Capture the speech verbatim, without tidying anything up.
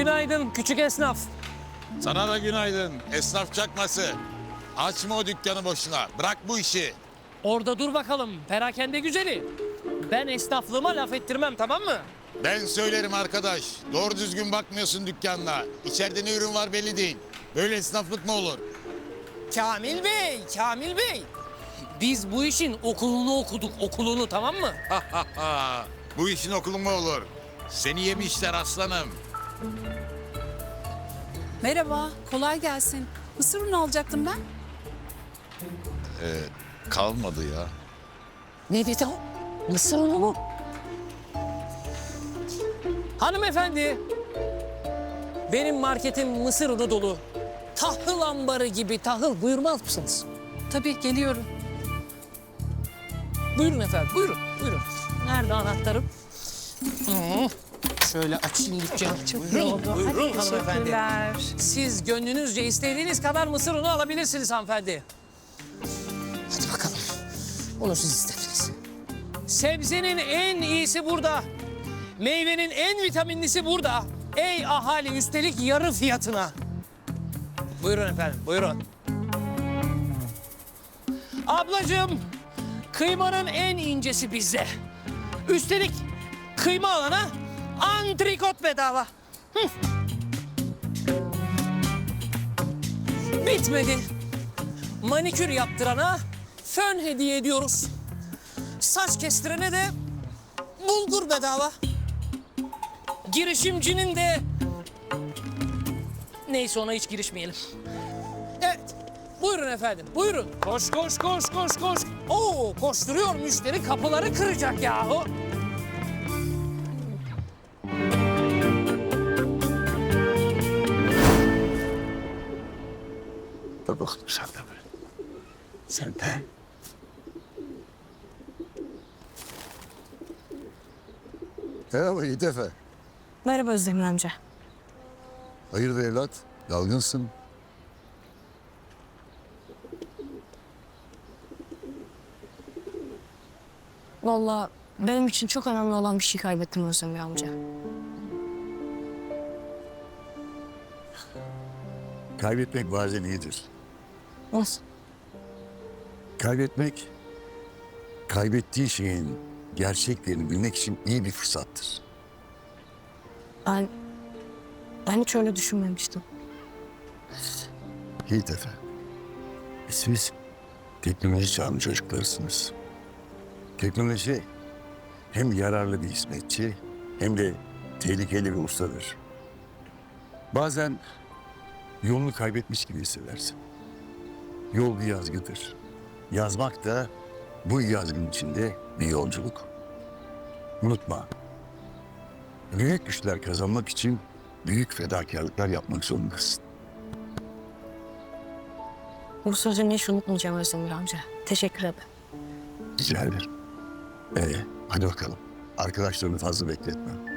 Günaydın küçük esnaf. Sana da günaydın esnaf çakması. Açma o dükkanı boşuna. Bırak bu işi. Orada dur bakalım perakende güzeli. Ben esnaflığıma laf ettirmem, tamam mı? Ben söylerim arkadaş. Doğru düzgün bakmıyorsun dükkanına. İçeride ne ürün var belli değil. Böyle esnaflık mı olur? Kamil Bey, Kamil Bey. Biz bu işin okulunu okuduk, okulunu, tamam mı? Bu işin okulu mu olur? Seni yemişler aslanım. Merhaba, kolay gelsin. Mısır unu alacaktım ben. Ee, kalmadı ya. Ne dedi o? Mısır unu mu? Hanımefendi, benim marketim mısır unu dolu. Tahıl ambarı gibi tahıl, buyurmaz mısınız? Tabii, geliyorum. Buyurun efendim, buyurun, buyurun. Nerede anahtarım? Hı, şöyle açayım dükkanı. Çok Buyurun, iyi oldu. buyurun Hadi, hanımefendi. teşekkürler. Siz gönlünüzce istediğiniz kadar mısır unu alabilirsiniz hanımefendi. Hadi bakalım. Onu siz istediniz. Sebzenin en iyisi burada. Meyvenin en vitaminlisi burada. Ey ahali, üstelik yarı fiyatına. Buyurun efendim, buyurun. Ablacığım, kıymanın en incesi bizde. Üstelik kıyma alana antrikot bedava. Hı. Bitmedi. Manikür yaptırana fön hediye ediyoruz. Saç kestirene de bulgur bedava. Girişimcinin de... Neyse, ona hiç girişmeyelim. Evet. Buyurun efendim, buyurun. Koş, koş, koş, koş, koş. Oo, koşturuyor müşteri, kapıları kıracak yahu. Dur bakalım sen de böyle. Sen de. Merhaba Yiğit Efe. Merhaba Özdemir amca. Hayırdır evlat? Dalgınsın. Vallahi benim için çok önemli olan bir şey kaybettim Özdemir amca. Kaybetmek bazen iyidir. Nasıl? Kaybetmek, kaybettiği şeyin gerçeklerini bilmek için iyi bir fırsattır. Ben, ben hiç öyle düşünmemiştim. Yiğit Efe, siz teknoloji çağının çocuklarısınız. Teknoloji hem yararlı bir hizmetçi hem de tehlikeli bir ustadır. Bazen yolunu kaybetmiş gibi hissedersin. Yol bir yazgıdır. Yazmak da bu yazgının içinde bir yolculuk. Unutma, büyük güçler kazanmak için büyük fedakarlıklar yapmak zorundasın. Bu sözünü hiç unutmayacağım Özdemir amca. Teşekkür ederim. Rica ederim. Ee, hadi bakalım. Arkadaşlarını fazla bekletme.